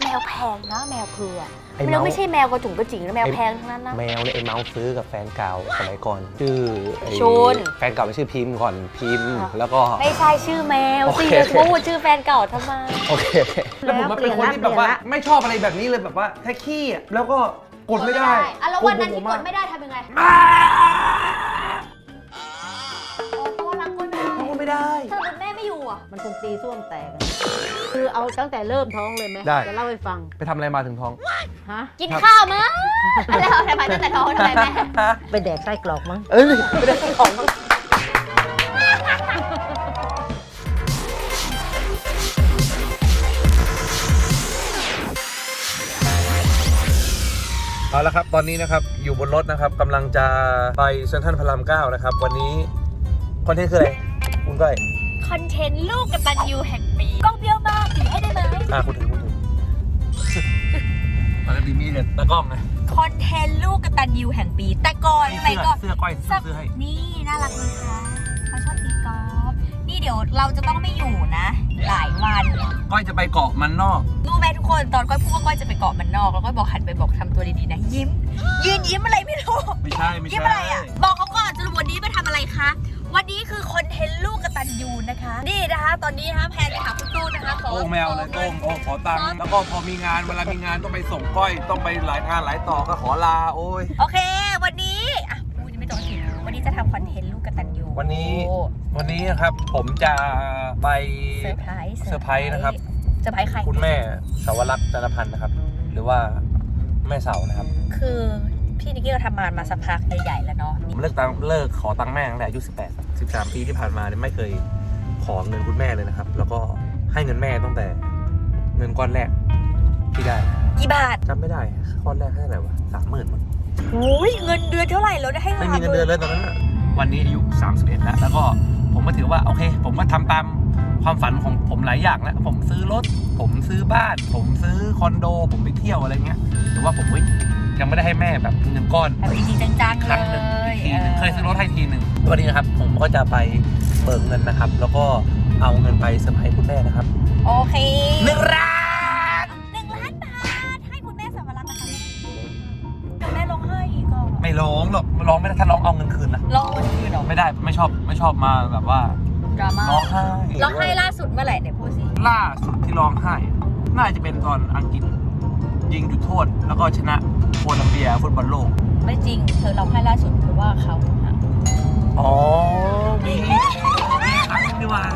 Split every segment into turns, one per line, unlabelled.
วแพงนะแมวเผือกมันไม่ใช่แมวกระจุ๋งกระจิ๋งนะแมวแพงทั้งนั้นนะ
แมวเนี่ยไอ้เมาส์ซื้อกับแฟนเก่าสมัยก่อนชื่อ
ชน
แฟนเก่าไม่ชื่อพิมพ์ก่อนพิมพ์แล้วก็
ไม่ใช่ชื่อแมวสิพูดชื่อแฟนเก่าทำไม
โอเคแล้วผมมาเป็นคนที่แบบว่าไม่ชอบอะไรแบบนี้เลยแบบว่าแค่ขี้แล้วก็กดไม่ได้
แล้ววันนั้นที่กดไม่ได้ทำยังไงเพราะว่ารักกดไม่ได้ถ้าแม่ไม่อยู่อ่ะ
มันคงตีส้วมแตกคือเอาตั้งแต่เริ่มท้องเลยไหมจะเล่าให้ฟัง
ไปทำอะไรมาถึงท้อง
ฮะ
กินข้าวมั้งแล้วทำไมตั้งแต่ท้องทำไมแม่
ไปแดกไส้กรอกมั้ง
ไม่ได้ของเอาละครับตอนนี้นะครับอยู่บนรถนะครับกำลังจะไปเซ็นทรัลพระราม9นะครับวันนี้คอนเทนต์คืออะไรคุณก้อย
คอนเทนต์ลูกกตัญญูแห่งปีกล้องเบี้ยวมากถือให้ได้ไหม
คุณถือปกติมีแต่ตะกล้องไง
คอนเทนต์ลูกกตัญญูแห่งปีแต่ก่อนสมัยก่อน
เสื้อก้อยซื้อให้
นี่น่ารักเลยค่ะเขาชอบตีกอล์ฟนี่เดี๋ยวเราจะต้องไม่อยู่นะหลายวัน
ก้อยจะไปเกาะมันนอก
รู้ไหมทุกคนตอนก้อยพูดว่าก้อยจะไปเกาะมันนอกแล้วก้อยบอกหันไปบอกทำตัวดีๆนะยิ้มยืนยิ้มอะไรไม่รู้
ไม่ใช่
ยิ้มอะไรอ่ะบอกเขาก่อนสรุปวันนี้มาทำอะไรคะวันนี้คือคอนเทนต์ลูกกตัญญูนะคะนี่นะคะตอนนี้นะคะแพนไปหาคุณตู้นะคะขอ
แมวเลยขอตังค์แล้วก็พอมีงานเวลามีงานต้องไปส่งก้อยต้องไปหลายงานหลายต่อก็ขอลาโอ้ย
โอเควันนี้อ่ะพูดยังไม่จบทีวันนี้จะทำคอนเทนต์ลูกกตัญญู
วันนี้นะครับผมจะไป
เซอร์ไพรส์
นะครับ
เซอร์ไพรส์ใคร
คุณแม่สาวรักษ์จันทพันธ์นะครับหรือว่าแม่เสานะครับ
คือพี่นิกกี้เราทำงานมาสักพักใหญ่ๆแล้วเนาะ
ผมเลิกขอตังค์แม่ตั้งแต่อายุ13 ปีที่ผ่านมาเนี่ยไม่เคยขอเงินคุณแม่เลยนะครับแล้วก็ให้เงินแม่ตั้งแต่เงินก้อนแรกที่ได้
กี่บาท
จำไม่ได้ก้อนแรกให้เท่าไหร่วะ30,000มั้ง
โอ้ยเงินเดือนเท่าไหร่แล้วได้ให้
ไม่มีเงินเดือนเลยตอนนั้นวันนี้อายุ31แล้วก็ผมก็ถือว่าโอเคผมก็ทำตามความฝันของผมหลายอย่างแล้วผมซื้อรถผมซื้อบ้านผมซื้อคอนโดผมไปเที่ยวอะไรเงี้ยแต่ว่าผมยังไม่ได้ให้แม่แบบเงินก้อน
จริงๆจังๆ
ครั้งหนึ่งทีนึงเคยซื้อรถให้ทีหนึ่งวันนี้นะครับผมก็จะไปเบิกเงินนะครับแล้วก็เอาเงินไปเซอร์ไพรส์คุณแม่นะครับ
โอเค
1 ล้าน
บาทให้คุณแม่สาวรักษ์นะคะเดี๋ยวแม่ร้องไห้อีกอ่ะ
ไม่ร้องหรอกร้องไม่ได้ถ้าร้องเอาเงินคืนนะ
ร้องเงินคืนหรอ
ไม่ได้ไม่ชอบมาแบบว่า
ดราม่า
ร้องไห้
ล่าสุดเมื่อไหร่เนี่ยพูดสิ
ล่าสุดที่ร้องไห้น่าจะเป็นตอนอังกฤษยิงจุดโทษแล้วก็ชนะโคลัมเบียฟุตบอลโลก
ไม่จริงเธอร้องไห้ล่าสุดเพราะว่าเขา
อ๋อมีครั้งดีว่า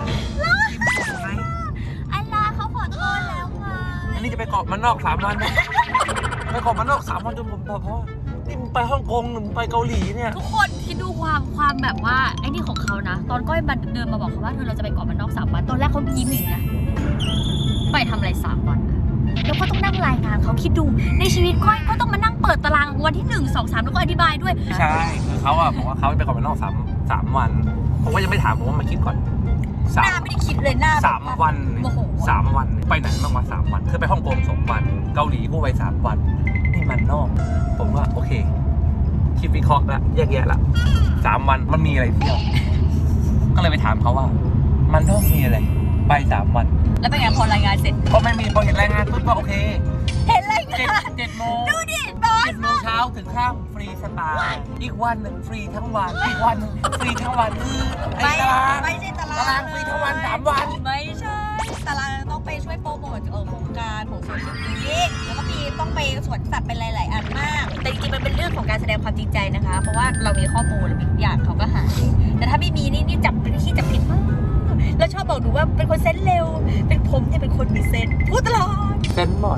อัลลาเขาขอโทษแล้วค่ะ
อันนี้จะไปเกาะมันนอก3 วันนะไปเกาะมันนอก3 วันจนผมเพราะนี่มึงไปฮ่องกงหรือมึงไปเกาหลีเนี่ย
ทุกคนคิดดูความแบบว่าไอ้นี่ของเขานะตอนก้อยบันเดินมาบอกเขาว่าเราจะไปเกาะมันนอก3 วันตอนแรกเขายิ้มอย่างนะไปทำอะไร3 วันแล้วก็ต้องนั่งรายงานเขาคิดดูในชีวิตก้อยก็ต้องมานั่งเปิดตารางวันที่1, 2, 3แล้วก็อธิบายด้วย
ใช่คือเขาอะบอกว่าเขาไปเกาะมันนอก3 วันผมก็ยังไม่ถามผมว่ามาคิดก่อน
หน้าไม่ได้คิดเลยหน้า
3 วัน3 วันไปไหนบ้างวะ3 วันคือไปฮ่องกง2 วันเกาหลีกูไป3 วันนี่มันนอกผมว่าโอเคคิดวิเคราะห์ละแยกแยะละ3 วันมันมีอะไรเที่ยวก็เลยไปถามเขาว่ามันนอกมีอะไรไป3 วัน
แล้วเป็นไงพอรายงานเสร็จ
ก็ไม่มีพอเห็นรายงานปุ๊บก็โอเค
เห็นรายงาน
7 โมง
ดูดิบอส
7 โมงเช้าถึงค่ำฟรีสไตล์อีกวันหนึ่งฟรีทั้งวันอีกวันนึงฟรีทั้งวันคือ
ไม่ใช่ตาราง
ฟรีทั้งวัน3 วัน
ไม่ใช่ตารางต้องไปช่วยโปรโมทโครงการของสวนสัตว์แล้วก็มีต้องไปสวนสัตว์เป็นหลายๆอันมากแต่จริงๆมันเป็นเรื่องของการแสดงความจริงใจนะคะเพราะว่าเรามีข้อมูลทุกอย่างเขาก็หายแต่ถ้าไม่มีนี่จับเป็นขี้จับผิดมากแล้วชอบบอกหนูว่าเป็นคนเซนส์เร็วเป็นผมเนี่ยเป็นคนมีเซนส์พูดตลอด
เซนส์หมด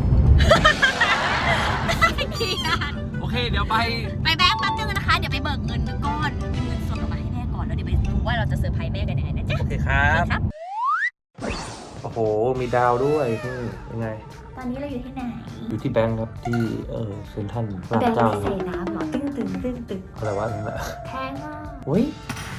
โอ
เคเดี๋ยวไป
แบงค์แป๊บนึงนะคะเดี๋ยวไปเบิกเงินก้อนเป็นเงินสดออกมาให้แม่ก่อนแล้วเดี๋ยวไปดูว่าเราจะเซอร์ไพรส์แม่กันยังไงนะจ๊ะ
โอเคครับโอ้โหมีดาวด้วยยังไง
ตอนนี้เราอยู่ที่ไหน
อยู่ที่แบงค์ครับที่เซ็นทรัล
แบงค์ไม่ใส่น้ำหรอตึ้ง
อะไรวะนั่นแหละ
แพงมาก
เฮ้ย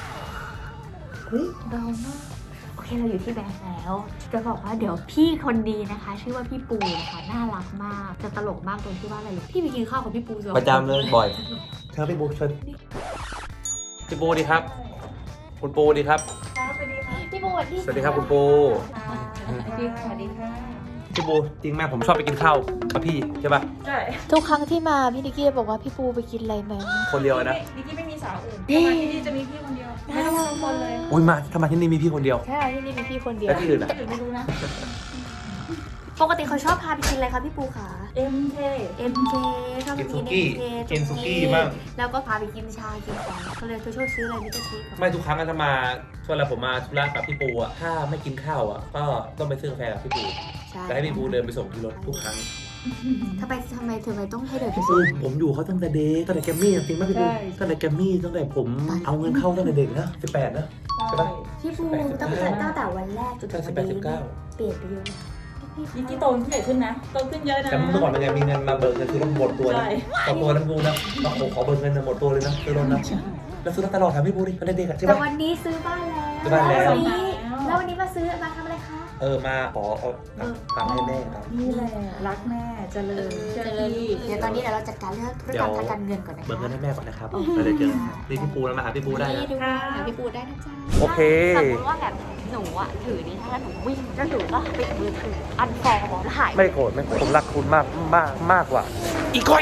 เบามากโอเคเราอยู่ที่แบงค์แล้วจะบอกว่าเดี๋ยวพี่คนดีนะคะชื่อว่าพี่ปูนะคะน่ารักมากจะตลกมากตรงที่ว่าอะไรพี่ไปกินข้าวกับพี่ปู
ประจำเลยบ่อยเชิญพี่ปูเชิญพี่ปูดีครับคุณปูดีครับ
สวัสดีค่ะพี่ปู
สวัสดีครับคุณปู
สวัสดีค่ะ
พี่ปูจริงไหมผมชอบไปกินข้าวกับพี่ใช่ป่ะ
ใช่
ทุกครั้งที่มาพี่นิกกี้บอกว่าพี่ปูไปกินอะไรไหม
คนเดียวนะ
นิกกี้ไม่มีสาวอื่นถ้ามาที่นี่จะมีพี่คนเดียวไม่ต้องกังวลเลย
อุ้ยมาทำไมที่นี่มีพี่คนเดียว
ใช่ที่นี่มีพี่คนเดียว
แล้วที่อื่นอ่ะ
ที่อื่นไม่รู้นะ
ปกติเขาชอบพาไปกินอะไรคะพี่ปูขา
MK
MK ชอบไปกิน MK
กินสุกี้บ้าง
แล้วก็พาไปกินชากินของก็เลยเธอชอบซื้ออะไรนี่ก็ซื้อก่อน
ไม่ทุกครั้งถ้ามาช่วงเวลาผมมาธุระกับพี่ปูอ่ะถ้าไม่กินข้าวอ่ะก็ต้องไปซื้อกาแฟกับพี่ปู
ใช่
แล้วให้พี่ปูเดินไปส่งที่รถทุกครั้ง
ทำไมต้องให้เดินไป
พี่
ซื้
ปู
อ
ผมอยู่เขาตั้งแต่เด็กตั้งแต่แกมมี่จริงไหมพี่ปูตั้งแต่แกมมี่ตั้งแต่ผมเอาเงินเข้าตั้งแต่เด็กนะ18นะใช่ปะ
พี่ปูตั้งแต่วันแรกจนถึงวันนี้
18 19
เปลี่ยนไปเยอะนะ
นิกกี้โตขึ้นใหญ่ขึ้นนะโตขึ้นเยอะนะ
แต่เมื่อก่อนเป็นไงมีเงินมาเบิกเงินซื้อรถหมดตัวนะ
ใช่
ต่อตัวนั้นกูนะต้องขอเบิกเงินหมดตัวเลยนะซื้อรถนะแล้วซื้อรถตลอดถามพี่ปูดิตอนเด็กๆใช่
แต่
ปะ
วันนี้ซื้อบ้านแล้ว
ซื้อบ้านแล้ว
แล้ววันนี้มาซื้อมาทำอะไรคะ
มาขอเอาตังค์ให้แม่ครับ
นี่แหละรักแม่เจริญเชื่อพี่
เดี๋ยวตอนนี้เราจัดการเรื่องธุรกรรมทางการเงินก่อนนะคะ
เบิกเงินให้แม่ก่อนนะครับแล้วเดี๋ยวเจอนี่พี่ปูแล้วมาหาพี่ปูได้นะ
นี่ดูหาพี่ปูได้นะจ๊ะ
โอเค
สมมติว่าแบบหนูอะถือนี้ถ้าหนูวิ่งแล้วหนูก็ปิดมือถืออันฟอร์บอกหาย
ไม่โกรธไม่โกรธผมรักคุณมากกว่า อีกคน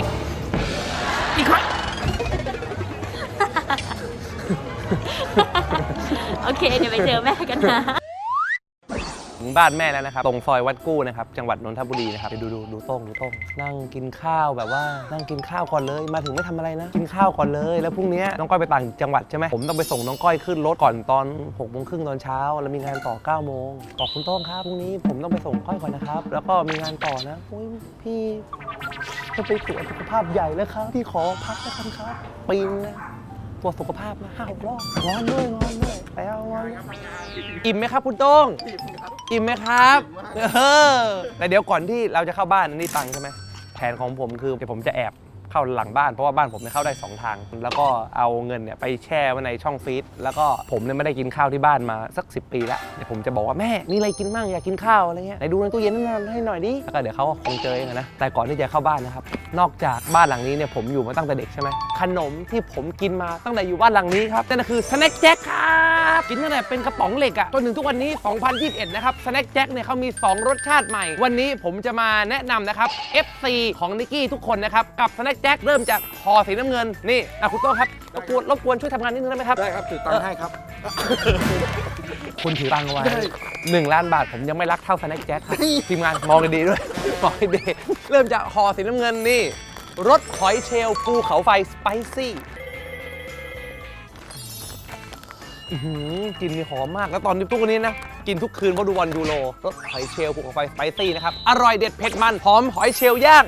โอเค เดี๋ยวไปเจอแม่กันนะ
ถึงบ้านแม่แล้วนะครับตรงซอยวัดกู้นะครับจังหวัดนนทบุรีนะครับไปดูโต้งนั่งกินข้าวแบบว่านั่งกินข้าวก่อนเลยมาถึงไม่ทำอะไรนะกินข้าวก่อนเลยแล้วพรุ่งนี้น้องก้อยไปต่างจังหวัดใช่ไหมผมต้องไปส่งน้องก้อยขึ้นรถก่อนตอน6 โมงครึ่งตอนเช้าแล้วมีงานต่อ9 โมงบอกคุณโต้งครับพรุ่งนี้ผมต้องไปส่งก้อยก่อนนะครับแล้วก็มีงานต่อนะโอ้ยพี่จะไปตรวจสุขภาพใหญ่แล้วครับพี่ขอพักแล้วกันครับปีนนะตรวจสุขภาพนะ5-6 รอบร้อนด้วยแล้วร้อนอิ่มไหมครับคุณโต้งอิ่มไหมครับแต่เดี๋ยวก่อนที่เราจะเข้าบ้านนี่ตังค์ใช่ไหมแผนของผมคือเดี๋ยวผมจะแอบเข้าหลังบ้านเพราะว่าบ้านผมเนี่ยเข้าได้2 ทางแล้วก็เอาเงินเนี่ยไปแช่ไว้ในช่องฟรีซแล้วก็ผมเนี่ยไม่ได้กินข้าวที่บ้านมาสัก10 ปีแล้วเดี๋ยวผมจะบอกว่าแม่มีอะไรกินบ้างอยากกินข้าวอะไรเงี้ยไหนดูในตู้เย็นนั่นให้หน่อยดิแล้วก็เดี๋ยวเขาคงเจอเองนะแต่ก่อนที่จะเข้าบ้านนะครับนอกจากบ้านหลังนี้เนี่ยผมอยู่มาตั้งแต่เด็กใช่ไหมขนมที่ผมกินมาตั้งแต่อยู่บ้านหลังนี้ครับนั่นก็คือสแน็คแจ็คครับกินตั้งแต่เป็นกระป๋องเหล็กอะจนถึงทุกวันนี้ 2021 นะครับสแน็คแจ็คเนี่ยเขามี2 รสชาติใหม่วันนี้ผมจะมาแนะนำนะครับ FC ของนิกกี้ทุกคนนะครับกับสแน็คแจ็คเริ่มจากห่อสีน้ำเงินนี่คุณโต้ครับรบกวนช่วยทำงานนิดนึงได้ไหมครับ
ได้ครับถือตังค์ให้ครับ
คุณถือตังค์ไว้1 ล้านบาทผมยังไม่รักเท่าสแน็คแจ็คครับทีมงานมองดีๆด้วยมองดีๆเริ่มจากห่อสีน้ำเงินนี่รสหอยเชลล์ภูเขาไฟสไปซี่กลิ่นมีหอมมากแล้วตอนนี้ทุกวันนี้นะกินทุกคืนเพราะดูบอลยูโรรสหอยเชลล์ภูเขาไฟสไปซี่นะครับอร่อยเด็ดเผ็ดมันหอมหอยเชลล์ย่าง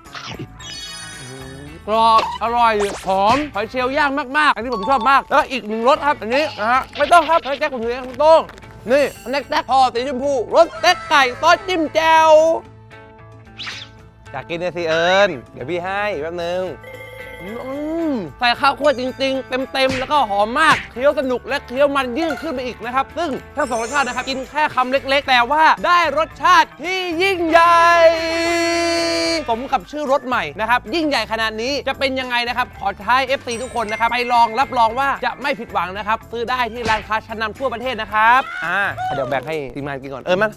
กรอบอร่อยหอมหอยเชลล์ย่างมากๆอันนี้ผมชอบมากแล้วอีก1 รสครับอันนี้นะฮะไม่ต้องครับแจ็คผมถือเองคุณโต้งนี่สแน็คแจ็คห่อสีชมพูรสเต็กไก่ซอสจิ้มแจ่วอยากกินเลยสิเอิญเดี๋ยวพี่ให้แป๊บนึงใส่ข้าวคั่วจริงๆเต็มๆแล้วก็หอมมากเคี้ยวสนุกและเคี้ยวมันยิ่งขึ้นไปอีกนะครับซึ่งทั้ง2 รสชาตินะครับกินแค่คำเล็กๆแต่ว่าได้รสชาติที่ยิ่งใหญ่สมกับชื่อรสใหม่นะครับยิ่งใหญ่ขนาดนี้จะเป็นยังไงนะครับขอท้าย FC ทุกคนนะครับไปลองรับรองว่าจะไม่ผิดหวังนะครับซื้อได้ที่ร้านค้าชั้นนำทั่วประเทศนะครับเดี๋ยวแบ่งให้ทีมงานกินก่อนมัน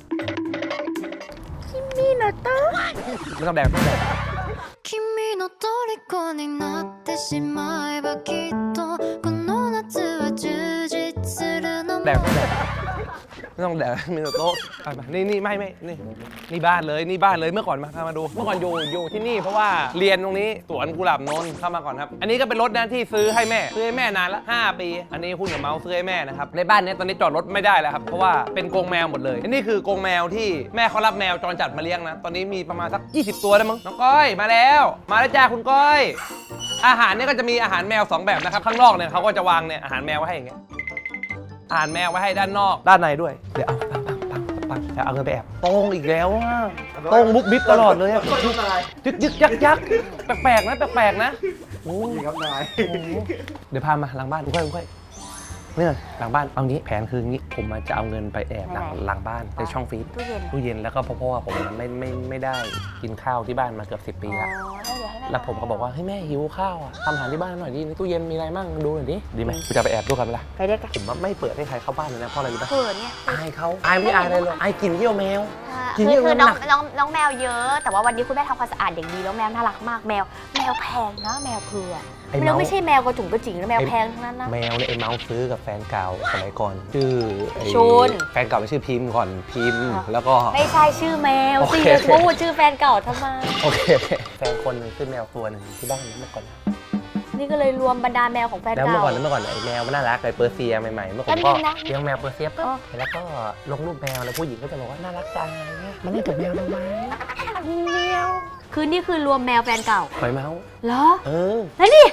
ไม่ต้องแดก
君の虜になってしまえばきっとこの夏は充実するのも
ไม่ต้องแดกมีโต๊ะนี่นี่บ้านเลยเมื่อก่อนมาดูเมื่อก่อนอยู่ที่นี่เพราะว่าเรียนตรงนี้สวนกุหลาบนนท์เข้ามาก่อนครับอันนี้ก็เป็นรถนะที่ซื้อให้แม่นานละ5 ปีอันนี้หุ้นกับเมาส์ซื้อให้แม่นะครับในบ้านนี้ตอนนี้จอดรถไม่ได้แล้วครับเพราะว่าเป็นกรงแมวหมดเลยอันนี้คือกรงแมวที่แม่เขารับแมวจรจัดมาเลี้ยงนะตอนนี้มีประมาณสัก20 ตัวแล้วมั้งน้องก้อยมาแล้วจ้าคุณก้อยอาหารเนี่ยก็จะมีอาหารแมว2 แบบนะครับข้างนอกเนี่ยเขาก็จะวางเนี่ยอาหารแมวไว้ให้อย่างเงี้ยอาหารแมวไว้ให้ด้านนอกด้านในด้วยเดี๋ยวปังเอาเงินไปแอบโต้งอีกแล้วอ่ะโต้งบุ๊บบิ๊บตลอดเลยอ่ะยึกยักแปลกนะโอ้ยครับนายเดี๋ยวพามาหลังบ้านค่อยเนี่ยหลังบ้านเอางี้แผนคืองี้ผมจะเอาเงินไปแอบหลังบ้านในช่องฟรีซตู้เย็นแล้วก็เพราะว่าผมไม่ได้กินข้าวที่บ้านมาเกือบ10 ปีแล้ว
แล้วเดี๋ยวให้
แล้วผมก็บอกว่าเฮ้ยแม่หิวข้าวอ่ะทำอาหารที่บ้านหน่อยดิในตู้เย็นมีอะไรมั่งดูหน่อยดิดีไหมกูจะไปแอบดูกันไหมล่ะ
ไปได้กัน
ผมว่าไม่เปิดให้ใครเข้าบ้านเลยนะเพราะอะไรรู้ปะ
เขินเนี่ย
อายเขาอายไม่อายอะไรเลยอายกลิ่นเยี่ยวแมว
คือ
จริงๆ
คือ
มันหนัก
น้องแมวเยอะ แต่ว่าวันนี้คุณแม่ทำความสะอาดอย่างดีแล้วแมวน่ารักมากแมวแพงนะแมวเผือก
ไอ้
แม
เมาว
ไม่ใช่แมวกระจุ๋งกระจิ๋งนะแมวแพงทั้งนั้นนะ
แมวเนี่ยไอ้เมาส์ซื้อกับแฟนเก่าสมัยก่อนชื่อไอ้
ชุน
แฟนเก่าไม่ชื่อพิมพ์ก่อนพิมพ์แล้วก็
ไม่ใช่ชื่อแมว
โอ
สิ
เค
พูดชื่อแฟนเก่าทำไม
โอเคแฟนคนหนึงซื้อแมวตัวหนึ่งที่บ้านเมื่อก่อน
นี่ก็เลยรวมบรรดาแมวของแฟน
แล้วเมื่อ
เก่า
ก่อนไอ้แมวมันน่ารักไอ้เปอร์เซียใหม่ๆเมื่อก่อน
แป๊
ก็
บนึงนะ
เลี้ยงแมวเปอร์เซียปุ๊บ
อ๋อ
แล้วก็ลงรูปแมวแล้วผู้หญิงก็จะบอกว่าน่ารักจังอะไรเงี้ยมันเล่นกับแมวทำไม
คือนี่คือรวมแมวแฟนเก่า
คอยเมาส์
เหรอ
เออ
แล้วนี่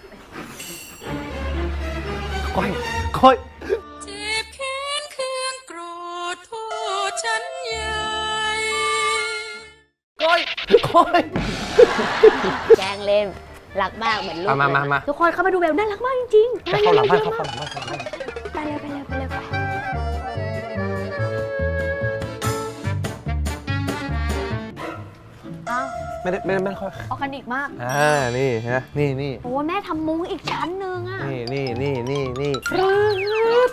ก้อย
เจ็บแค้นเคืองโกรธโทษฉันใหญ่
ก้อย
แกล้งเล่นรักมากเหมือนลูก
มา
เลย
มา
ทุกคนเข้ามาดูแบบน่ารักมากจริงๆ
จะเข้าหลังบ้าน
เร็วๆ
เข้าหลังบ้านเข้าหลังบ้าน
ไปเร็วไป อ้าว
ไม่ค่อย
ออร์แกนิกมาก
นี่ฮะนี่
โอ้แม่ทำมุ้งอีกชั้นหนึงอ่ะ
นี่นี่
ฟรึ๊ด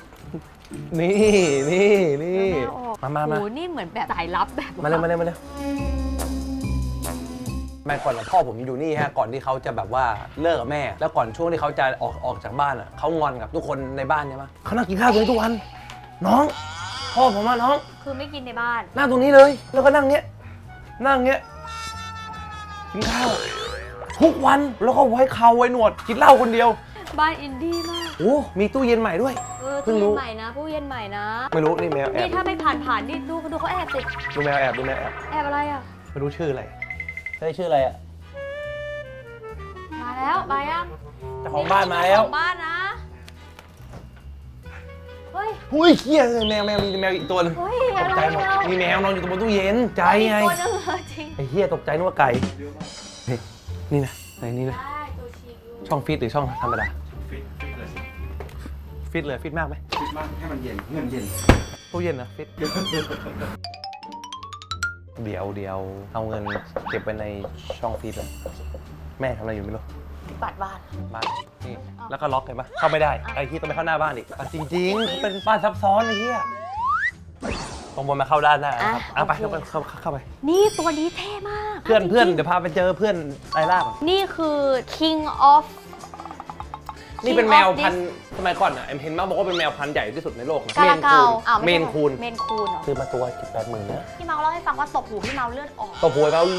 มา
โอ้นี่เหมือนแบบสายลับแบบ
มาเร็วแม่ก่อนพ่อผมอยู่นี่ฮะก่อนที่เขาจะแบบว่าเลิกกับแม่ แล้วก่อนช่วงที่เขาจะออกจากบ้านอ่ะเขางอนกับทุกคนในบ้านใช่ไหมเขานั่งกินข้าวตรงนี้ทุกวันน้องพ่อผมว่าน้อง
คือไม่กินในบ้าน
นั่งตรงนี้เลยแล้วก็นั่งเงี้ยกินข้าวทุกวันแล้วก็ไว้เขาไว้หนวดกินเหล้าคนเดียว
บ้านอินดี้มาก
โอ้มีตู้เย็นใหม่ด้วย เพิ่
ตู้
งรู้
เย็นใหม่นะตู้เย็นใหม่นะ
ไม่รู้นี่แมวแอ
นี่
บ
ถ้าไม่ผ่านนี่ดูเขาแอบติด
ดูแมวแอบ
แอบอะไรอ่ะ
ไม่รู้ชื่ออะไรชื่ออะไรอ่ะ
มาแล้วมายัง
เจ้าของบ้านมาแล้ว
เจ้ของบ้านนะเฮ้ย
หุ้ยเฮียเลยแมวมีแมวอีกตัวหนึง
เฮ้ย
ต
อะ
ก
ไร
ใจหมด
เรา
มีแมวนอนอยู่ตรงบนตู้เย็นใจไง
ตัวนึงจริง
ไอ้เฮียตกใจนึกว่าไก่นี่นะไหนนี่นะ
ได้ตัวชิว
ช่องฟิตหรือช่องธรรมดาฟิตเลยฟิตมากไหม
คิดว่าให้มันเย็นเงินเย็น
ตู้เย็นนะฟิตเดี๋ยวเอาเงินเก็บไว้ในช่องฟิตเลยแม่ทำอะไรอยู่ไม่รู้
ปัดบ้าน
บ้านนี่แล้วก็ล็อกเห็นปะเข้าไม่ได้ไอ้ที่ต้องไปเข้าหน้าบ้านอีกจริงๆเป็นบ้านซับซ้อนไอ้เหี้ยตรงบนมาเข้าด้านหน้านะครับเอาไปเข้าไป
นี่ตัวนี้เท่มาก
เพื่อนเดี๋ยวพาไปเจอเพื่อนไล่ล่าก่อน
นี่คือ King of
นี่เป็นแมวพันธุ์สมัยก่อนอ่ะเห็นมาบอกว่าเป็นแมวพันธุ์ใหญ่ที่สุดในโลกนะ
กาลาเกาอ้าว
เมนคูน
เมนคูนเหรอ
ซื้อมาตัว80,000นะ
พี่เมาเล่าให้ฟังว่าตกหูพี่เมาเลือดออก
ตัวผัวเขา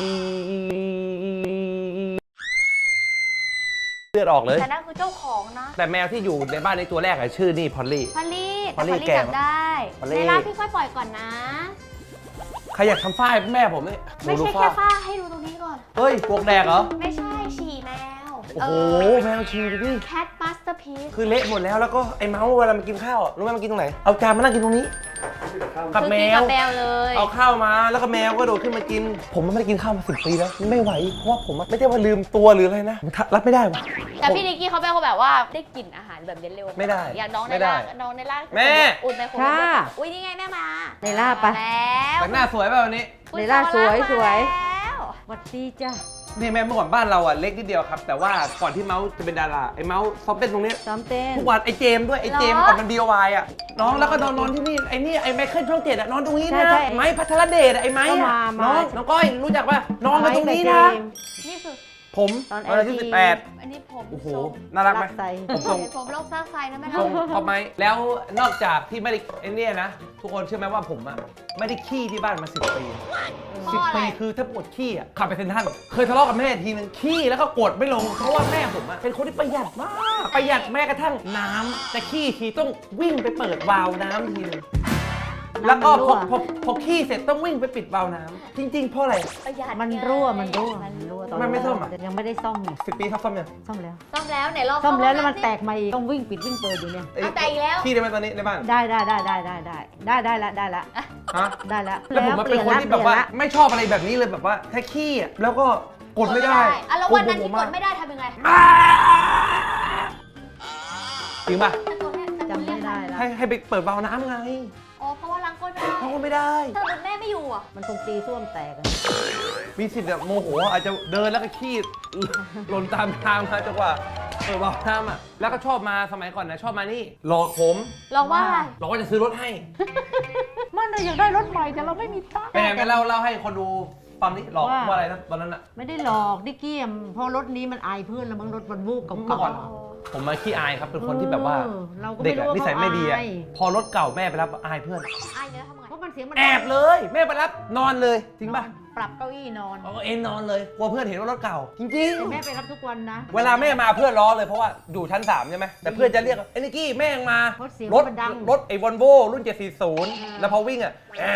เลือดออกเลย
แต่นั่นคือเจ้าของนะ
แต่แมวที่อยู่ในบ้านในตัวแรกอะชื่อนี่พอลลี่
พอลลี่
พอลลี่
แต่
แก่
จับได้
พอลลี่
ในร้านพี่ค่อยปล่อยก่อนนะ
ใครอยากทำฝ้ายแม่ผมนี่
ไม่
ดู
ใช่
ฝ้า
แค่ฝ้าให้ดูตรงนี้ก่อน
เฮ้ยพวกแดกเหรอ
ไม่ใช่ฉี่แมว
โอ้โหแมวชีดูดิ
แคทมาสเตอร์พีซ
คือเละหมดแล้วแล้วก็ไอ้เมาส์เวลามันกินข้าวอะรู้ไหมมันกินตรงไหนเอาจานมานั่งกินตรงนี้กับแม
กั
ว
บแมวเลย
เอาข้าวมาแล้วก็แมวก็โดดขึ้นมากิน ผมไม่ได้กินข้าวมา10 ปีแล้วไม่ไหวเพราะว่าผมไม่ได้ว่าลืมตัวหรืออะไรนะผมรับไม่ได้ว่ะ
แต่พี่นิกกี้เขาเป็นคนแบบว่าได้กลิ่นอาหารแบบเย็นเร็ว
ไม่ได้
อย่างน้องใน
ไม่ได้
ร่างน้องในร่าง
แม่
อุ่นในคน
ค่ะ
อุ้ยนี่ไงแม่มา
ในล่าปะ
แล้ว
แต่งหน้าสวยป่ะวันนี้
อุ๊ย
ในร่างสวย
เขรักมาแล้ว
สวัสดีจ้า
นี่แม่เมื่อก่อนบ้านเราอ่ะเล็กนิดเดียวครับ แต่ว่าก่อนที่เมาส์จะเป็นดาราไอ้เมาส์ซ้อมเต้นตรงนี้
ซ้อมเต้น
ทุกวันไอ้เจมส์ด้วยไอ้เจมส์ก่อนมัน DIY อ่ะน้องแล้วก็นอนที่นี่ไอ้นี่ไอ้ไมเคิลช่อง7อ่ะนอนตรงนี้
ใช่
นะ
ใช่
ไม้พัทรเดชอะไอ้ไม้
ก็
อะ
มา
น้องก้อยรู้จักป่ะนอนกันตรงนี้นะ
นี่คือ
ผม
ตอน
วันที่
LG
18
อันนี้ผม
โอ้โห
ทรง
น่ารักไหม
รักใส่
ผมทรง
ผมโลกสร้างไฟนะแม่
ทรงพอไหมแล้วนอกจากที่ไม่ได้ไอ้เนี่ยนะทุกคนเชื่อไหมว่าผมอ่ะไม่ได้ขี้ที่บ้านมา10 ปี10 ปีคือถ้าปวดขี้อ่ะขับไปเซ็นทรัลเคยทะเลาะกับแม่ทีนึงขี้แล้วก็กดไม่ลงเพราะว่าแม่ผมอ่ะเป็นคนที่ประหยัดมากประหยัดแม้กระทั่งน้ำแต่ขี้ทีต้องวิ่งไปเปิดวาล์วน้ำทีนึงแล้วก็พอขี้เสร็จต้องวิ่งไปปิดวาล์วน้ำจริงๆเพราะอะไร
ประหยัด
มัน
ไง
รั่วตอน
มันไม่ซ่อมอะ
ยังไม่ได้ซ่อมไง
10 ปีทับซ้อมยัง
ซ่อมแล้ว
ซ่อมแล้วไหนลอง
ซ่อมแล้วแล้วมันแตกมาอีกต้องวิ่งปิดวิ่งเปิดอยู่เนี่ย
เอาแต่อีกแล้ว
ขี้ได้ไหมตอนนี้ในบ้าน
ได้ละ
ฮะ
ได้ละ
แล้วผมเป็นคนที่แบบว่าไม่ชอบอะไรแบบนี้เลยแบบว่าแค่ขี้อ่ะแล้วก็กดไม่ได้
อ่ะแล้ววันนั้นที่กดไม่ได้ทำยังไง
จริงป่ะ
จำไม่ได้ละ
ให้ไปเปิดวาล์วน้ำไง
อ๋อเพราะว่าล้างก้นไม่ได้
เพราะว่าไม่ได้
ถ้าสมมติแม่ไม่อยู่อ่ะ
มันคงตีส้วมแตกอะ
มีสิทธิ์แบบโมโหอาจจะเดินแล้วก็ขี้หล่นตามทางมาจังหวะบอกน้ำอ่ะแล้วก็ชอบมาสมัยก่อนนะชอบมานี่หลอกผม
ลองว่าอะไร
หลอกว่าจะซื้อรถให้
มันเลยอยากได้รถใหม่แต่เราไม่มีตังค์
เป็นไงไปเล่าให้คนดูฟังนี่หลอกว่าอะไรนะตอนนั้นอ่ะ
ไม่ได้หลอกดิกกี้อะเพราะรถนี้มันอายเพื่อนแล้วมั้งรถมันวูบ
เมื่อ
เก่า
ก่อนผมมาขี้อายครับเป็นคนที่แบบว่า
เราก็
เด็
ไม่
ก
รู้
อะ
ว่า
นิสัยไม่ดีอะ
เขาอาย
พอรถเก่าแม่ไปรับอายเพื่อน
อายเนี่ยทำไง
เพราะมันเสียงมัน
แอบเลยแม่ไปรับนอนเลยจริงป่ะ
ปรับเก้าอี้นอน
เอาเอ็นนอนเลยกลัวเพื่อนเห็นว่ารถเก่า จริง
แต่แม่ไปรับทุกวันนะ
ๆเวลาแม่มาเพื่อนล้อเลยเพราะว่าอยู่ชั้น3ใช่ไหมแต่เพื่อนจะเรียกไอ้นิกกี้แม่งมา
เพราะเสียง
รถ
มันดัง
รถไอ้วอลโว่รุ่น 740 แล้วพอวิ่งอ่ะ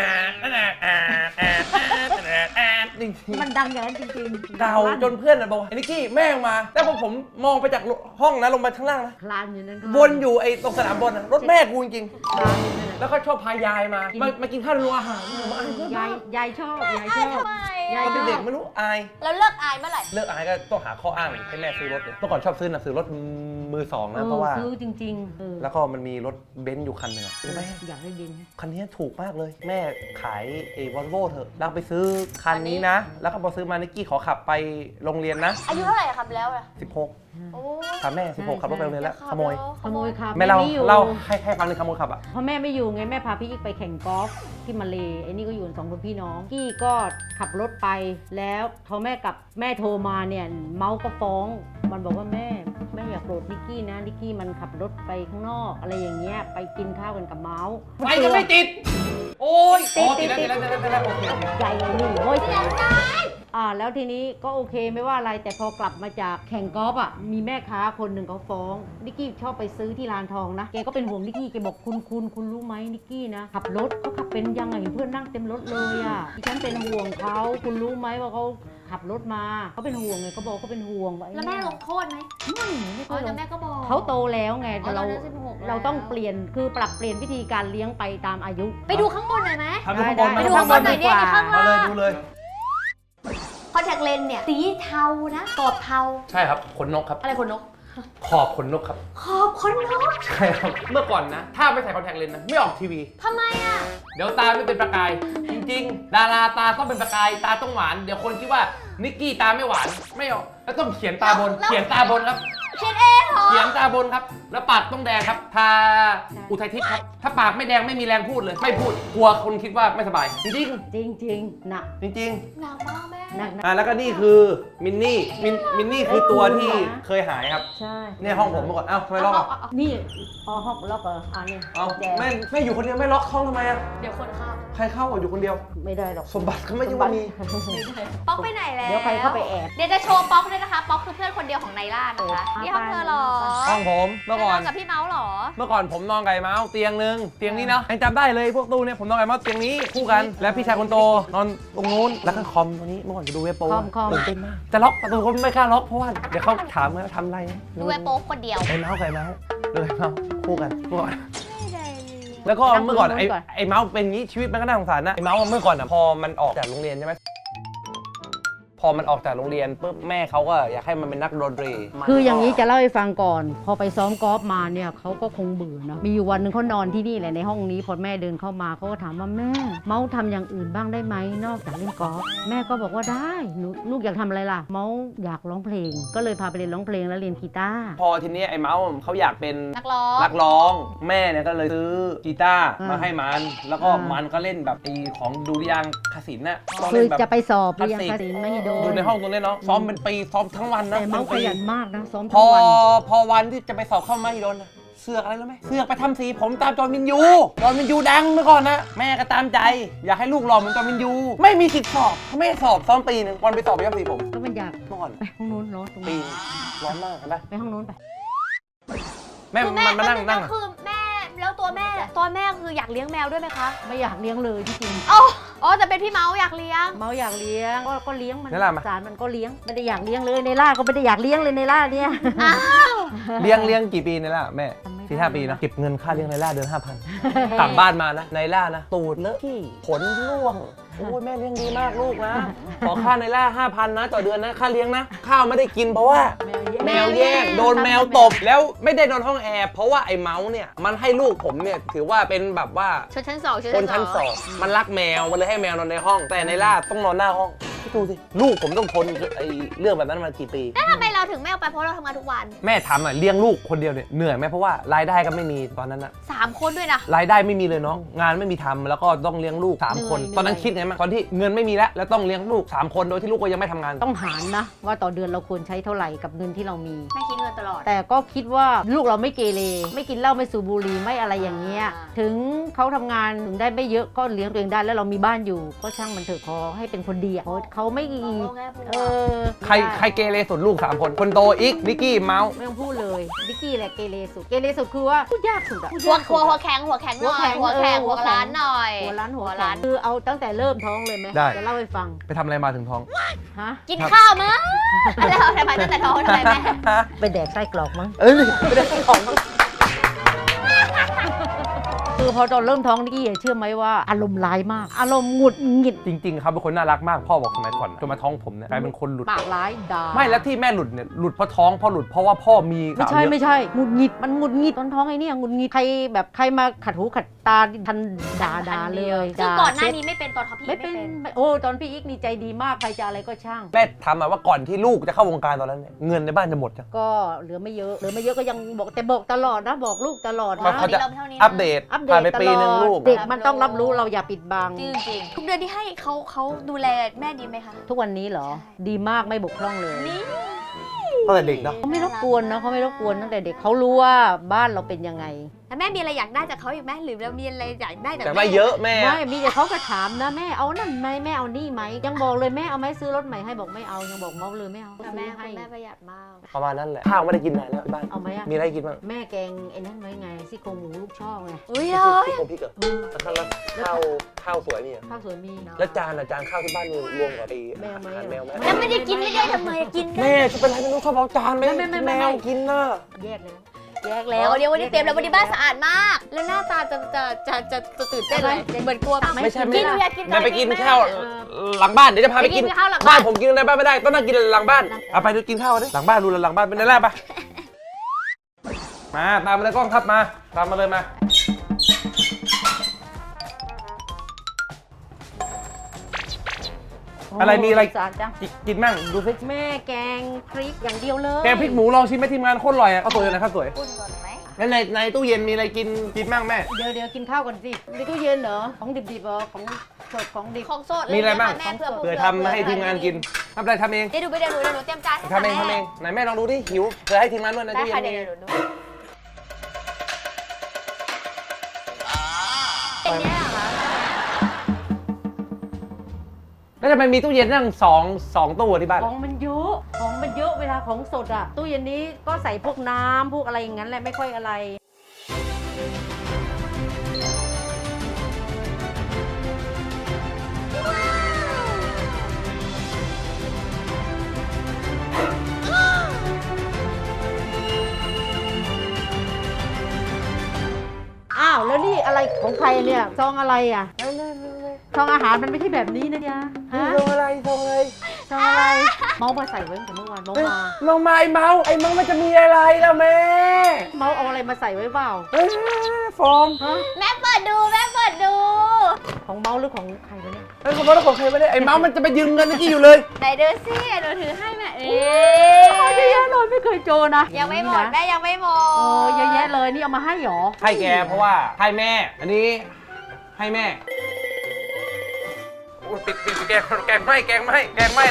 จริง
มันดังอย่างนั้นจริงๆ
ๆเก่าจนเพื่อนบอกไอ้นิกกี้แม่งมาแล้วพอผมมองไปจากห้องนะลงมาข้างล่างนะ
คลานอยู่นั้นก็
วนอยู่ไอ้ตรงสนามบอลนะรถแม่กูจริง
คลานอยู่นั่นแหละ
ๆแล้วก็ชอบพายายมากินข้าวในโรงอาหารมาอายเพื่อน
ยายชอบยาย
อา
ช
ย
อบ
ทำไม
ยา
อ่ะ
ย
ตอนเด็กๆไม่รู้อาย
แล้วเลิกอายเมื่อไหร่
เลิกอายก็ต้องหาข้ออ้างให้แม่ซื้อรถเลยเมื่อก่อนชอบซื้อหนังสือรถมือสองนะเพราะว่า
ซื้อจริงๆ
แล้วก็มันมีรถเบนซ์อยู่คันหนึ่งอะแม่
อยากได้ดิน
คันนี้ถูกมากเลย แม่ขายไอ้วอลโว่เถอะแล้วไปซื้อคันนี้นะ แล้วก็พอซื้อมานิกกี้ขอขับไปโรงเรียนนะ
อายุเท่าไหร่อะครับแล้วอะ
16
โอ้
ถามแม่ 16 ขับรถไปโรงเรียนแล้วขโมย
ขโมยครับ
แม่เรา
ไม่อยู่
เล่าให้ฟังในอยขโมยขับอ่ะ
เพราะแม่ไม่อยู่ไงแม่พาพี่อีกไปแข่งกอล์ฟที่มาเลไอ้นี่ก็อยู่กัน2 คนพี่น้องกี้ก็ขับรถไปแล้วพอแม่กลับแม่โทรมาเนี่ยเมาส์ก็ฟ้อง มันบอกว่าแม่อย่าโกรธนิกกี้นะนิกกี้มันขับรถไปข้างนอกอะไรอย่างเงี้ยไปกินข้าวกันกับเมาส์
ไปกันไม่ติด โอ้ย
ติด
ติดแล้วโอเค
ใหญ่เลยนี่โอ้ยแล้วทีนี้ก็โอเคไม่ว่าอะไรแต่พอกลับมาจากแข่งกอล์ฟอ่ะมีแม่ค้าคนหนึ่งเขาฟ้องนิกกี้ชอบไปซื้อที่ร้านทองนะแกก็เป็นห่วงนิกกี้แกบอกคุณรู้ไหมนิกกี้นะขับรถเขาขับเป็นยังไงเห็นเพื่อนนั่งเต็มรถเลยอ่ะดิฉันเป็นห่วงเขาคุณรู้ไหมว่าเขาขับรถมาเขาเป็นห่วงไงเขาบอกเขาเป็นห่วงว่า
แล้วแม่ลงโทษไหม
ไม่
อ๋
ค่
อ
อยล
แต่
ง
แม่ก็บอก
เขาโตแล้วไง
อ๋อ
แต่
ตอนนั้น16แล้ว
เราต้องเปลี่ยนคือปรับเปลี่ยนวิธีการเลี้ยงไปตามอายุ
ไปดูข้างบนหน่อยไหม
ทำดูข้างบน
ไปดูข้างบนหน่อยเนี่ยในข้าง
มา
ล่าง
เลยดูเลย
คอนแทคเลนส์เนี่ยสีเทานะกรอบเทา
ใช่ครับขนนกครับ
อะไรขนนก
ขอบขนนกครับ
ขอบขนนก
ใช่ครับ เมื่อก่อนนะ ถ้าไม่ใส่คอนแทคเลนส์นะ ไม่ออกทีวี
ทำไมอ่ะ
เดี๋ยวตาไม่เป็นประกาย จริงๆ ดาราตาต้องเป็นประกาย ตาต้องหวาน เดี๋ยวคนคิดว่านิกกี้ตาไม่หวาน ไม่ออก แล้วต้องเขียนตาบน
แล้ว
เขียนตาบนครับ
เขียนเองเหรอ
เขียนตาบนครับ แล้วปากต้องแดงครับ ทาอุทัยทิพย์ครับ ถ้าปากไม่แดงไม่มีแรงพูดเลย ไม่พูด กลัวคนคิดว่าไม่สบาย จริง
จริงๆหนัก
ๆ จริง
หนักมากแม่
หนัก
ๆแล้วก็นี่คือมินนี่มินนี่คือตัวที่เคยหายครับ
ใช่
เนี่ยห้องผมเมื่อก่อน เอ้าทำไมล็อกอ่ะ
นี่ห้องล็อกเหรอนี่
เอ้า
แดง
แม่อยู่คนเดียวไม่ล็อกห้องทำไมอ่ะ
เดี๋ยวคนเข้า
ใครเข้าอ่ะอยู่คนเดียว
ไม่ได้หรอก
สมบัติก็ไม่ยุ่งมี
ป๊อกไปไหนแล้ว
เดี๋ยวใครเข้าไปแอบ
เดี๋ยวจะโชว์ป๊อกด้วยนะคะ ป๊อกคือเพื่อนคนเดียวของไนล่านะคะนี่ห้องเธอเหรอ
ห้องผมเมื่อก่อน
ไปนกับพี่เมาส์เหรอ
เมื่อก่อนผมนอนกับไอ้เมาส์เตียงนึงเตียงนี้เนาะยังจำได้เลยพวกตู้เนี่ยผมนอนกับไอ้เมาส์เตียงนี้คู่กัน แล้วพี่ชายคนโตนอนตรงนู้นแล้วก็คอมตัวนี้เมื่อก่อนจะดูเว็บโป้
คอม
ตื่นเต้นมากแต่ล็อกประตูก็ไม่กล้าล็อกเพราะว่าเดี๋ยวเขาถามว่าทำอะไร
ดูไอ้โป๊กคนเดียว
ไอ้เมาส์กับไอ้เมาส์ดูไอ้เมาส์คู่กันเมื่อก่อน
ไม่ได้เลย
แล้วก็เมื่อก่อน
นั่งตรงนู้นก่อน
ไอ้เมาส์เป็นงี้ชีวิตมันก็น่าสงสารนะไอ้เมาส์เมื่อก่อนอ่ะพอมันออกจากโรงเรียนใช่ไหมพอมันออกจากโรงเรียนปุ๊บแม่เขาก็อยากให้มันเป็นนักดนตรี
คืออย่างนี้จะเล่าให้ฟังก่อน พอไปซ้อมกอล์ฟมาเนี่ยเขาก็คงเบื่อเนอะมีอยู่วันหนึ่งเขานอนที่นี่แหละในห้องนี้พอแม่เดินเข้ามาเขาก็ถามว่าแม่เมาส์ทำอย่างอื่นบ้างได้ไหมนอกจากเล่นกอล์ฟแม่ก็บอกว่าได้ลูกอยากทำอะไรล่ะ เมาส์อยากร้องเพลง ก็เลยพาไปเรียนร้องเพลงแล้วเรียนกีตาร์
พอทีนี้ไอ้เมาส์เขาอยากเป็น
นักร้อง
นักร้องแม่เนี่ยก็เลยซื้อกีตาร์มาให้มัน แล้วก็
อ่ามั
มันก็เล่นแบบไอ้ของดุริยางคศิลป์น่ะต้อง
คื
เล่
อน
แบบ
จะไปสอบ
คลาส
เรียน
สิก
คศิลป์ไม่ให้โดน
ดูในห้องตรงนี้เนาะซ้อมเป็นปีซ้อมทั้งวันนะ
แต่เมาส์
ป็
ข
นปี
ยันมากนะซ้อม
พ
ทั้
อง
วัน
พอวันที่จะไปสอบเข้ามหิดลน่ะเสือกอะไรรู้ไหมเสือกไปทำสีผมตามจอห์นวินยูจอห์นวินยูดังเมื่อก่อนนะแม่ก็ตามใจ อยากให้ลูกหล่อเหมือนจอห์นวินยูไม่มีสิทธิ์สอบเขาไม่ให้สอบซ้อมปีหนึ่งวันไปสอบไปทำสีผม
ก็มันอยาก
เมื่อก่อน
ไปห้องนู้นร้อนตรง
ปี
นี้
ร้อนมากเห็นปะ
ไปห้องนู้นไป
แม่
คือ
มันมานั่ง
แม่
นั่ง
คือแม่แล้วตัวแม่คืออยากเลี้ยงแมวด้วยไหมคะ
ไม่อยากเลี้ยงเลยที่จริง
อ๋อแต่เป็นพี่เมาส์อยากเลี้ยง
เมาอยากเลี้ยงก็เลี้ยงมัน
นี่แหละมา
สารมันก็เลี้ยงไม่ได้อยากเลี้ยงเลยในล่าก็ไม่ได้อยากเลี้ยงเลยในล่าเนี่ย
อ้าว
เลี้ยงกี่ปีในล่ะแม่
จำไม่ได้
4-5 ปีนะเก็บเงินค่าเลี้ยงในล่าเดือน 5,000 กลับบ้านมานะในล่านะตูดเลอะขี้ขนร่วงโอ้ยแม่เลี้ยงดีมากลูกนะ ขอค่าในล่า 5,000 นะต่อเดือนนะค่าเลี้ยงนะ ข้าวไม่ได้กินเพราะว่า
แมว
แมวแย่งโดนแมวตบแล้วไม่ได้นอนห้องแอร์เพราะว่าไอ้เมาส์เนี่ยมันให้ลูกผมเนี่ยถือว่าเป็นแบบว่า
ชนชั้นสอง
คนชั้นสองมันรักแมวมันเลยให้แมวนอนในห้อง แต่ในล่าต้องนอนหน้าห้องคิดดูสิลูกผมต้องทนไอ้เรื่องแบบนั้นมากี่ปี
แล้วทำไมเราถึงไม่เอาไปเพราะเราทำงานทุกวัน
แม่ทำอ่ะเลี้ยงลูกคนเดียวเนี่ยเหนื่อยไหมเพราะว่ารายได้ก็ไม่มีตอนนั้นอะ
3 คนด้วยนะ
รายได้ไม่มีเลยน้องงานไม่มีทำแล้วก็ต้องเลี้ยงลูก3 คนตอนนั้นคิดไงมั้งตอนที่เงินไม่มีแล้วต้องเลี้ยงลูก3 คนโดยที่ลูกก็ยังไม่ทำงาน
ต้องหารนะ ว่าต่อเดือนเราควรใช้เท่าไหร่กับเงินที่เรามี
แม่คิดเงินตลอด
แต่ก็คิดว่าลูกเราไม่เกเรไม่กินเหล้าไม่สูบบุหรี่ไม่อะไรอย่างเงี้ย
อ่า
ถึงเขาทำงานถึงได้ไม่เยอะก็เลี้ยงตัวเองได้แล้วเรามีบ้านอยู่ก็ช่างมันเถอะขอให้เป็นคนดีอ่ะเขาไม่
ใครเกเรสุดลูก3 คนคนโตอีกนิกกี้เมาส์
ไม่ต้องพูดเลยดิกกี้แหละเกเรสุดเกเรสุดคือว่าพูดยากสุดอะพูด
หัวย
ากสุด
หัว
อะ
แข็งหน่อย
หัวแข็ง
หัวร้านหน่อย
หัวร้านหัว
ร้า
ร้าน นคือเอาตั้งแต่เริ่มท้องเลยไหม
ได้
จะเล่าให้ฟัง
ไปทำอะไรมาถึงท้อง
ฮะ
กินข้าวมั้งแล้วทำไมตั้งแต่ท้องทำไมแม่
ไปแดกไส้กรอกมั้ง
เอ้ยไม่ได้ของ
คือพอตอนเริ่มท้องนิกกี้เชื่อไหมว่าอารมณ์ร้ายมาก อารมณ์หงุดหงิด
จริงๆเขาเป็นคนน่ารักมากพ่อบอกสมัยก่อนจนมาท้องผมเนี่ยกลายเป็นคนหลุด
ปากร้ายด่า
ไม่แล้วที่แม่หลุดเนี่ยหลุดเพราะท้องเพราะหลุดเพราะว่าพ่อมี
ไม่
สาว
ใช่
เยอะ
ไม่ใช่หงุดหงิดมันหงุดหงิดตอนท้องไอ้เนี่ยหงุดหงิดใครแบบใครมาขัดหูขัดตาทันด่าเลย
ซึ่ง
ด่า
ก่อนหน้า
เช็ด
นี้ไม่เป็นตอนเขาพี่
ไม่เป็นโอ้ตอนพี่อีกนี่ใจดีมากใครจะอะไรก็ช่าง
แม่ทำมาว่าก่อนที่ลูกจะเข้าวงการตอนนั้นเนี่ยเงินในบ้านจะหมดจ้ะ
ก็เหลือไม่เยอะก็ยังบอกแต่บอกตลอดนะบอกลูกตลอด
เขา
นะ
เขาจะ
เท่านี้
อัปเดต
อัปเด
ผ่า
ต
นไป
ต
ปี
ลอ
หนึง
ด
ลูก
เด็กมันต้องรับรู้เราอย่าปิดบัง
จริงๆทุกเดือนที่ให้เขาดูแลแม่ดีไหมคะ
ทุกวันนี้เหรอ
ใช่
ดีมากไม่บกพร่องเลย
นี่
ตั้งแต่เด็กเนาะ
เขาไม่รบกวนนะเขาไม่รบกวนตั้งแต่เด็กเขารู้ว่าบ้านเราเป็นยังไง
แล้วแม่มีอะไรอยากได้จากเขาอีกไหมหรือเรามีอะไรอยากได้จาก
แต่
แม่
ไม่เยอะแม่
ไม่มีแต่เขาก็ถามนะแม่เอานั่นไหมแม่เอานี่ไหมยังบอกเลยแม่เอาไหมซื้อรถใหม่ให้บอกไม่เอายังบอกเมาเลยไม่เอา
แต่
ซื้
แม่
อให้
คุณแม่ประหยัดมาก
ประมาณนั้นแหละข้าวไม่ได้กินนานแล้วที่บ้าน
เอาไหมอะ
มีอะไรกินบ้าง
แม่แกงไอ้นั่นไว้ไงซี่โครงหมูลูกช่อไง
อุ้ย
พ
เลย
ริกพริกเหรอแล้วข้าวสวยนี่อะ
ข้าวสวยมี
แล้วจานข้าวที่บ้านนี่รวมกับไอ้
แมวไหม
อาหารแมวไหม
แล้วไม่ได้กินไม่ได้ทำไมกินกัน
แม่จะเป็นไรไม่รู้ชอบเอาจานไม่แมวกินน่ะ
แยกแล้ว
แยกแล้วเดี๋ยววันนี้เตรียมแล้ววันนี้บ้านสะอาดมาก แล้วหน้าตาจะตื่นเต้นเลยเหมือนกลัว
ไม่ใช่
กินอยากกิน
แม่ไปกินข้าวหลังบ้านเดี๋ยวจะพาไปกิน
ข้าวหลัง
บ้านผมกินในบ้านไม่ได้ต้องนั่งกินหลังบ้านเอาไปดูกินข้าวดิหลังบ้านดูหลังบ้านเป็นแรกปะมาตามมาเลยกล้องครับมาตามมาเลยมาอะไรมีอะไร
สะอาดจัง
กินมั่งดูสิ
แม่แกงพริกอย่างเดียวเลย
แกงพริกหมูลองชิมไหมทีมงานโคตรอร่อยอ่ะข้าวสวยเลยนะข้าวสวย
อุ่นก่อนไหม
แล้วในตู้เย็นมีอะไรกินมั่งแม่
เดี๋ยวกินข้าวก่อนสิในตู้เย็นเหรอของดิบๆเหรอของสดของดิบ
ของสด
มีอะไรบ้าง
แม่เพื่อ
เผื่อทำมาให้ทีมงานกินทำอะไรทำเอง
เดี๋ยวดูไปเดี๋ยวหนูเตรียมจานให้
ทำเองไหนแม่ลองดูดิหิวเผื่อให้ทีมงานด้วยใน
ได้
ตู้เย็
ค่ะ
น
เดี๋
มี
ยวดูเป็นเนี่ยเหรอคะ
แล้วทำไมมีตู้เย็นนั่งสองตู้ที่บ้าน
ของมันเยอะเวลาของสดอ่ะตู้เย็นนี้ก็ใส่พวกน้ำพวกอะไรอย่างนั้นแหละไม่ค่อยอะไร อ้าวแล้วนี่อะไรของใครเนี่ยซองอะไรอ่ะซองอาหารมันไม่ใช่แบบนี้นะจ๊ะฮะ
ลงอะไร
ซองอะไรเมาส์มาใส่ไว้ตั้งแต่เมื่อวานเมาส์มา
ลงมาไอ้เมาส์มันจะมีอะไรแล้วแม่
เมาส์เอาอะไรมาใส่ไว้เปล่า
ฟอง
ฮะ
แม่เปิดดู
ของเมาส์หรือของใครวะเนี่ย
ไอ้ขบวนของใครไม่ได้ไอ้เมาส์มันจะไปยืมเงินเมื่อกี้อยู่เลย
ไหนดูสิหนูถือให้แม่เอ๊
เยอะแยะเลยไม่เคยเจอนะ
ยังไม่หมด
นะ
แม่ยังไม่หมด
เยอะแยะเลยนี่เอามาให้หรอ
ให้แกเพราะว่าให้แม่ อันนี้ให้แม่โอ้ยปิดแกงไหมแล้วแกงไหมให้แม่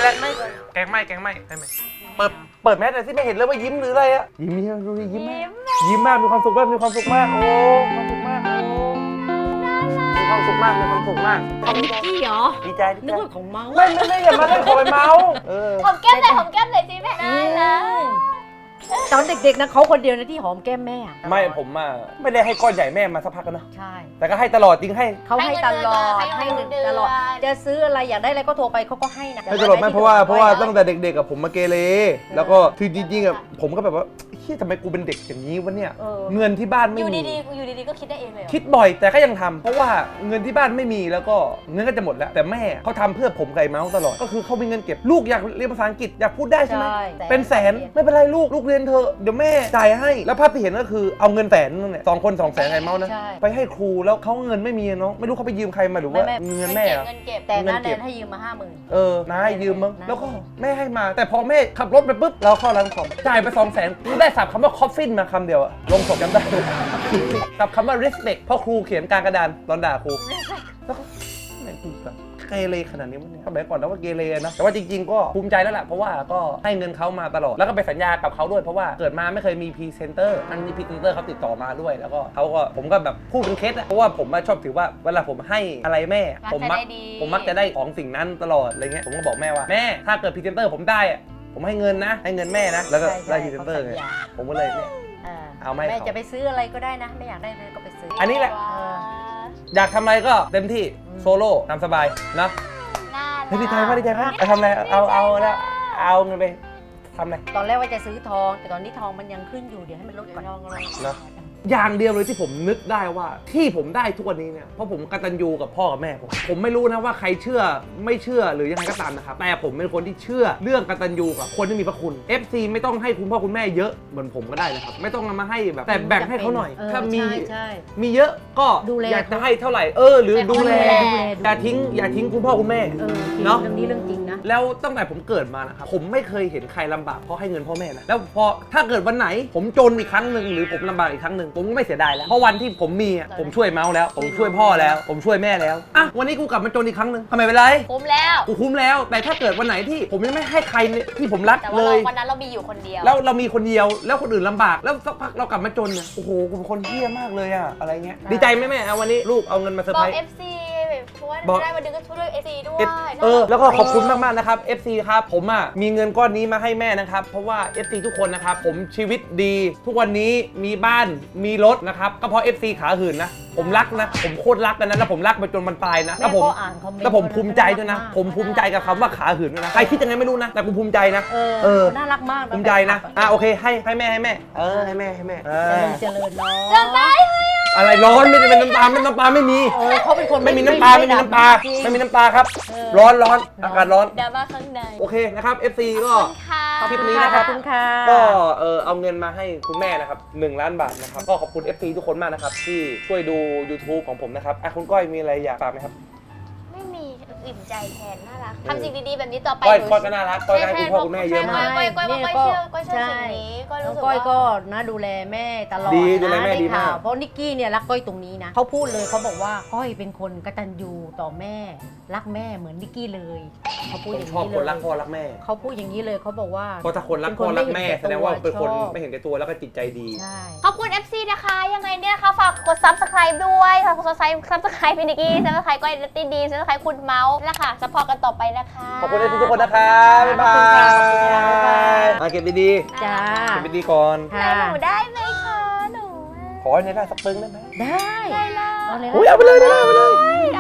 เปิดแมสหน่อยสิไม่เห็นเลยว่ายิ้มหรืออะไรอะยิ้มดูดิยิ้มมากมีความสุขมากมีความสุขมากโอ้ความสุขมากโอ้มีความสุขมาก
ของนิกกี้เหรอ
ดีใจ
นึกว่าของเมาส์
ไม่อย่ามาเล่นของไอ้เมาส์
หอมแก้มเลยสิแม่ได้เลย
ตอนเด็กๆนะเขาคนเดียวนะที่หอมแก้มแม่อะ
ไม่ผมอ่ะไม่ได้ให้ก้อนใหญ่แม่มาสักพักแล้วนะ
ใช่
แต่ก็ให้ตลอดจริงให้
เขาให้ตลอด
ให้
ให้
เงิ
เงิ
น
น
เดือน
ตลอดจะซื้ออะไรอยากได้อะไรก็โทรไปเขาก็ให้นะ
ให้ตลอดไม่เพราะว่าตั้งแต่เด็กๆกับผมมาเกเรแล้วก็คือจริงๆอ่ะผมก็แบบว่าเฮ้ยทำไมกูเป็นเด็กอย่างนี้วะเนี่ยเงินที่บ้านไม่
อยู่
มี
ดีๆก็คิดได้เองเลยเหรอ
คิดบ่อยแต่ก็ยังทำเพราะว่าเงินที่บ้านไม่มีแล้วก็เงินก็จะหมดแล้วแต่แม่เขาทำเพื่อผมไก่เมาส์ตลอดก็คือเขามีเงินเก็บลูกอยากเรียนภาษาอังกฤษอยากพูดได้ใช่ไหม
ใช่
เป็นแสนไม่เป็นไรลูกเรียนเถอะเดี๋ยวแม่จ่ายให้แล้วภาพที่เห็นก็คือเอาเงินแสนนั่นแหละ2 คน 200,000ไก่เมาส์นะ
ใช่
ไปให้ครูแล้วเขาเงินไม่มีอะเนาะไม่รู้เขาไปยืมใครมาหรือว่า
ไม่
เงินแม่อะ
เงินเก็บ
แต่น้า
เงิน
แน
เก็บ
นให้ยืมมา50,000
น้าให้ยืมมั้ง
น้า
แล้วก็แม่ให้มา แต่พอแม่ขับรถไปปุ๊บเราเข้าร้านคอมจ่ายไป200,000กูได้สับคำว่าคอฟฟินมาคำเดียวอะลงศพจำได้ กับคำว่า respect เพราะครูเขียนกลางกระดานตอนด่าครูแล้วก็แม่งกูแบบเกเรขนาดนี้วะเนี่ยสมัยก่อนเราก็เกเรนะแต่ว่าจริงๆก็ภูมิใจแล้วแหละเพราะว่าก็ให้เงินเขามาตลอดแล้วก็ไปสัญญากับเขาด้วยเพราะว่าเกิดมาไม่เคยมีพรีเซนเตอร์อันนี้พรีเซนเตอร์เขาติดต่อมาด้วยแล้วก็เขาก็ผมก็แบบพูดเป็นเคสอะเพราะว่าผมชอบถือว่าเวลาผมให้อะไรแม่ผมมักจะได้ของสิ่งนั้นตลอดอะไรเงี้ยผมก็บอกแม่ว่าแม่ถ้าเกิดพรีเซนเตอร์ผมได้อะผมให้เงินนะให้เงินแม่นะแล้วก็ได้พรีเซนเตอร์ไงผมก็เลยเนี่ย เอาไหม
แม่จะไปซื้ออะไรก็ได้นะไม่อยากได้เลยก็ไปซื้อ
อันนี้แหละ อยากทำอะไรก็เต็มที่โซโล่ตามสบายนะ
น่า
เฮ้ยดีใจมากไปทำอะไรเอาเงินไปทำอะไร
ตอนแรกว่าจะซื้อทอง แต่ตอนนี้ทองมันยังขึ้นอยู่เดี๋ยวให้มันลดก่อน
นะ อย่างเดียวเลยที่ผมนึกได้ว่าที่ผมได้ทุกวันนี้เนี่ยเพราะผมกตัญญูกับพ่อกับแม่ผมไม่รู้นะว่าใครเชื่อไม่เชื่อหรือยังไงก็ตามนะครับแต่ผมเป็นคนที่เชื่อเรื่องกตัญญูกับคนที่มีพระคุณ FC ไม่ต้องให้คุณพ่อคุณแม่เยอะเหมือนผมก็ได้นะครับไม่ต้องเอามาให้แบบแต่แบ่งให้เขาหน่อยถ้ามีเยอะก็อยากจะให้เท่าไหร่หรือดูแลอย่าทิ้งคุณพ่อคุณแม่
เนาะเรื่องนี้เรื่องจริงนะ
แล้วตั้งแต่ผมเกิดมานะครับผมไม่เคยเห็นใครลำบากเพราะให้เงินพ่อแม่นะแล้วพอถ้าเกิดวันไหนผมจนอีกครั้งหนึ่งหรือผมลำบากอีกครั้งหนึ่งผมก็ไม่เสียดายแล้วเพราะวันที่ผมมีอะผมช่วยเมาส์แล้วผมช่วยพ่อแล้วผมช่วยแม่แล้วอ่ะวันนี้กูกลับมาจนอีกครั้งหนึ่งทำไมเป็นไร
คุ้มแล้ว
กูคุ้มแล้วแต่ถ้าเกิดวันไหนที่ผมยังไม่ให้ใครที่ผมรัก
แต่
เล
ว่าย วันนั้นเรามีอยู่คนเดียว
แล้วเรามีคนเดียวแล้วคนอื่นลำบากแล้วสักพักเรากลับมาจนเนี่ยโอ้โหกูเป็นคนเหี้ยมากเลยอะอะไรเงี้ยดีใจไหมแม่เอาวันนี้ลูกเอาเงินมาเซอร์
บอ
ไพร
ก
ส์
FC เพราะว่า
บอก
ได้วันหนึงก็ช่วย FC ด้วย
แล้วก็ขอบคุณมากๆนะครับ FC ครับผมมีเงินก้อนนี้มาให้แม่นะครับเพราะว่า FC ทุกคนนะครับผมชีวิตดีทุกวันนี้มีบ้านมีรถนะครับก็เพราะ FC ขาหื่นนะผมรักนะผมโคตรรักกันนะแล้วผมรักไปจนมันตายนะแล้วผมภูมิใจด้วยนะผมภูมิใจกับคำว่าขาหื่นด้วยนะใครคิดยังไงไม่รู้นะแต่กูภูมิใจนะ
น่ารักมาก
ภูมิใจนะโอเคให้แม่ให้แม่ให้แม่
เจริญร้อน
จะได้
อะไรร้อนไม่เป็นน้ำตาไม่มี
เขาเป็นคน
ไม่มีน้ำตาไม่มีน้ำตาครับร้อนอากาศร้อน
ดราม่าข้างใน
โอเคนะครับ FC ก็
ค่ะ
คลิปนี้นะครับ
ขอบคุณค่ะ
ก็เอาเงินมาให้คุณแม่นะครับ1 ล้านบาทนะครับก็ขอบคุณ FC ทุกคนมากนะครับที่ช่วยดู YouTube ของผมนะครับคุณก้อยมีอะไรอยากฝากไหมครับ
ไม่มีอิ่มใจแทนน่ารักทำสิ่งดีๆแบบนี้ต่อไป
ก้อยก็น่ารักก้อยให้คุณพ่อคุณแม่เยอะมาก
ก้อยเชื่อสิ่งนี้ก้อย
น้
รู้
อง
สึก
ก้อยก็
ว่า
นะดูแลแม่ตลอด
ดีดูแลแม่
นะ
ดีมาก
ข่วเพราะนิกกี้เนี่ยรักก้อยตรงนี้นะเขาพูดเลยเขาบอกว่าก้อยเป็นคนกตัญญูต่อแม่รักแม่เหมือนนิกกี้เลยเขาพูด
ผ
อ
ม
ย่าง
ชอบ
นี้
คน
เล
รัก
ย
พ่อรักแม่
เขาพูดอย่างนี้เลยเขาบอกว่า
เพราะถ้าคนรักพ่อรักแม่แสดงว่าเป็นคนไม่เห็นแก่ตัวแล้วก็จิตใจดี
ใช่
ขอบคุณ FC นะคะยังไงเนี่ยนะคะฝากกด Subscribe ด้วยฝากกด Subscribe พี่นิกกี้ Subscribe ก้อยนัตตี้ดี Subscribe คุณเมาส์นะคะซัพพอร์ตกันต่อไปนะคะ
ขอบคุณ FC ทุกคนนะครับบ๊ายบายเก็บดี
จ้า
ๆเก็บดีๆก่อน
ได้หนูได้ไหมคะหนู
ขอให้ได้สักปึ้งได้ไหม
ได้
ได้เลย
เอาเลยนะ
อุ้ยเอาไปเลย